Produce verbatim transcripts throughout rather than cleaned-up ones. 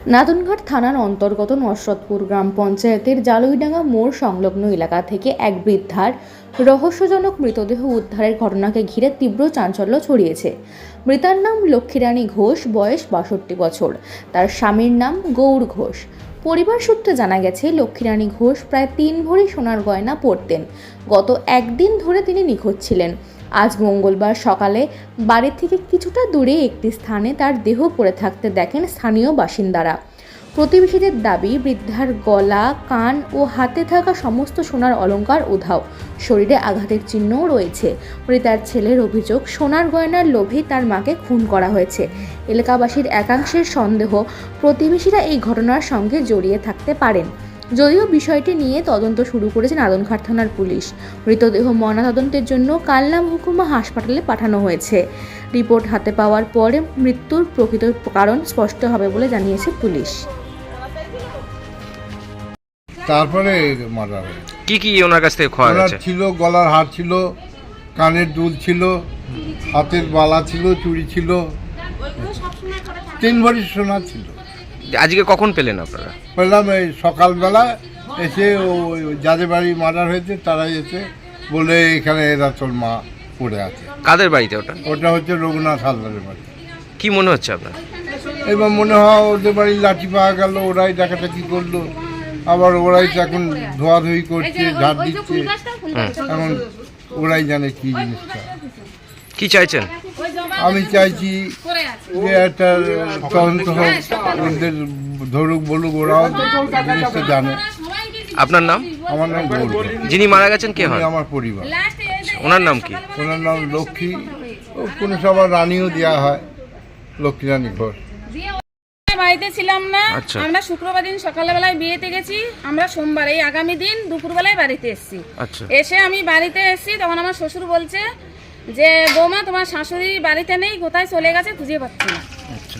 নাদনঘাট থানার অন্তর্গত নসরতপুর গ্রাম পঞ্চায়েতের জালুইডাঙ্গা মোড় সংলগ্ন এলাকা থেকে এক বৃদ্ধার রহস্যজনক মৃতদেহ উদ্ধারের ঘটনাকে ঘিরে তীব্র চাঞ্চল্য ছড়িয়েছে। মৃতার নাম লক্ষ্মীরানী ঘোষ, বয়স বাষট্টি বছর। তার স্বামীর নাম গৌর ঘোষ। পরিবার সূত্রে জানা গেছে, লক্ষ্মীরানী ঘোষ প্রায় তিন ভরি সোনার গয়না পরতেন। গত একদিন ধরে তিনি নিখোঁজ ছিলেন। আজ মঙ্গলবার সকালে বাড়ি থেকে কিছুটা দূরে একটি স্থানে তার দেহ পড়ে থাকতে দেখেন স্থানীয় বাসিন্দারা। প্রতিবেশীদের দাবি, বৃদ্ধার গলা, কান ও হাতে থাকা সমস্ত সোনার অলংকার উধাও। শরীরে আঘাতের চিহ্নও রয়েছে। মৃতার ছেলের অভিযোগ, সোনার গয়নার লোভে তার মাকে খুন করা হয়েছে। এলাকাবাসীর একাংশের সন্দেহ, প্রতিবেশীরা এই ঘটনার সঙ্গে জড়িয়ে থাকতে পারেন। যদিও বিষয়টি নিয়ে তদন্ত শুরু করেছে নাদনঘাট থানার পুলিশ। মৃতদেহ ময়নাতদন্তের জন্য কালনা মহকুমা হাসপাতালে পাঠানো হয়েছে। রিপোর্ট হাতে পাওয়ার পরে মৃত্যুর প্রকৃত কারণ স্পষ্ট হবে বলে জানিয়েছে পুলিশ। তারপরে মার্ডার হয়। কি কি ওনার কাছ থেকে খোয়া গেছে? ছিল গলার হার ছিল, কানের দুল ছিল, হাতের বালা ছিল, চুড়ি ছিল, তিন ভরি সোনা ছিল। আজকে কখন পেলেন আপনারা? পেলাম এই সকালবেলা এসে, ওই যাদের বাড়ি মার্ডার হয়েছে তারা এসে বলে এখানে এরা তোর মা পড়ে আছে। কাদের বাড়িতে ওটা? ওটা হচ্ছে রঘুনাথ হালদারের বাড়ি। কি মনে হচ্ছে আপনার? এবার মনে হয় ওদের বাড়ি লাঠি পাওয়া গেল, ওরাই ডাকাটাকি করলো, আবার ওরাই তো এখন ধোয়াধুয়ি করছে, ঝাড় দিচ্ছে, এখন ওরাই জানে কি জিনিসটা। কি চাইছেন? আমি চাইছি যে একটা তদন্ত হোক, ওদের ধরুক বলুক, ওরাও জিনিসটা জানে। আপনার নাম? আমার নাম গৌর। যিনি মারা গেছেন কে হয়? আমার পরিবার। ওনার নাম কি? ওনার নাম লক্ষ্মী, ও কোনো সবার রানীও দেওয়া হয়, লক্ষ্মীরানী ঘোষ। বাড়িতে ছিলাম না, আচ্ছা। আমরা শুক্রবার দিন সকালবেলায় বিয়েতে গেছি, আমরা সোমবার এই আগামী দিন দুপুরবেলায় বাড়িতে এসেছি। আচ্ছা। এসে আমি বাড়িতে এসেছি, তখন আমার শ্বশুর বলছে যে বৌমা তোমার শাশুড়ি বাড়িতে নেই, কোথায় চলে গেছে খুঁজে পাচ্ছি না। আচ্ছা।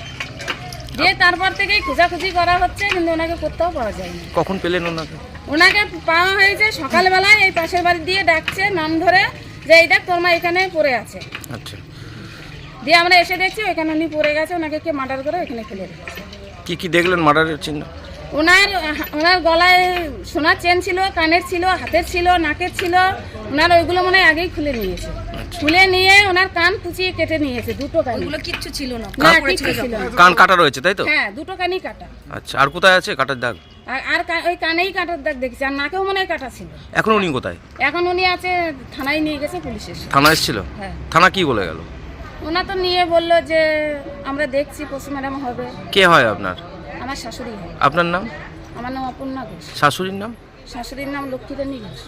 দিয়ে তারপর থেকেই খোঁজাখুঁজি করা হচ্ছে, কিন্তু ওনাকে কোথাও পাওয়া যায়নি। কখন পেলেন ওনাকে? ওনাকে পাওয়া হয়েছে সকালবেলায়, এই পাশের বাড়ি দিয়ে ডাকছে নাম ধরে যে এই দেখ তোর মা এখানে পড়ে আছে। আচ্ছা। দিয়ে আমরা এসে দেখছি ওইখানে উনি পড়ে গেছে, ওনাকে কে মার্ডার করে ওইখানে ফেলে রেখেছে। কি কি দেখলেন মার্ডারের চিহ্ন? ওনার ওনার গলায় সোনার চেন ছিল, কানের ছিল, হাতের ছিল, নাকের ছিল। ওনার ওইগুলো মনে হয় আগেই খুলে নিয়েছে। খুলে নিয়ে ওনার কান কুচিয়ে কেটে নিয়েছে, দুটো কান। ওগুলো কিচ্ছু ছিল না, না কিচ্ছু ছিল না। কান কাটা রয়েছে তাই তো? হ্যাঁ, দুটো কানই কাটা। আচ্ছা, আর কোথায় আছে কাটার দাগ? আর আর ওই কানেই কাটার দাগ দেখছি, আর নাকেও মনে হয় কাটা ছিল। এখন উনি কোথায়? এখন উনি আছে থানায়, নিয়ে গেছে পুলিশের সাথে। থানা এসেছিল? হ্যাঁ। থানা কি বলে গেল? ওনা তো নিয়ে বললো যে আমরা দেখছি পোস্টমর্টম হবে। কে হয় আপনার? আমার শাশুড়ি হয়। আপনার নাম? আমার নাম অপর্ণা ঘোষ। শাশুড়ির নাম? শাশুড়ির নাম লক্ষ্মীরানী ঘোষ।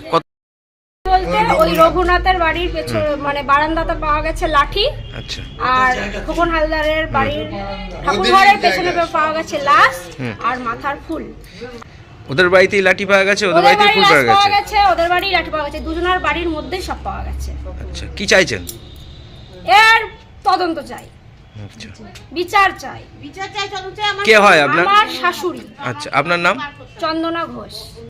বলতে ওই রঘুনাথের বাড়ির পেছনে মানে বারান্দাতে পাওয়া গেছে লাঠি। আচ্ছা। আর খোকন হালদারের বাড়ির ঠাকুরঘরের পেছনে পাওয়া গেছে লাশ আর মাথার ফুল। ওদের বাড়িতেই লাঠি পাওয়া গেছে, ওদের বাড়িতেই ফুল পাওয়া গেছে। ওদের বাড়িই লাঠি পাওয়া গেছে, দুজনের বাড়ির মধ্যেই সব পাওয়া গেছে। আচ্ছা, কি চাইছেন? এর তদন্ত চাই, আচ্ছা, বিচার চাই। কে হয় আপনার? আমার শাশুড়ি। আচ্ছা, আপনার নাম? চন্দনা ঘোষ।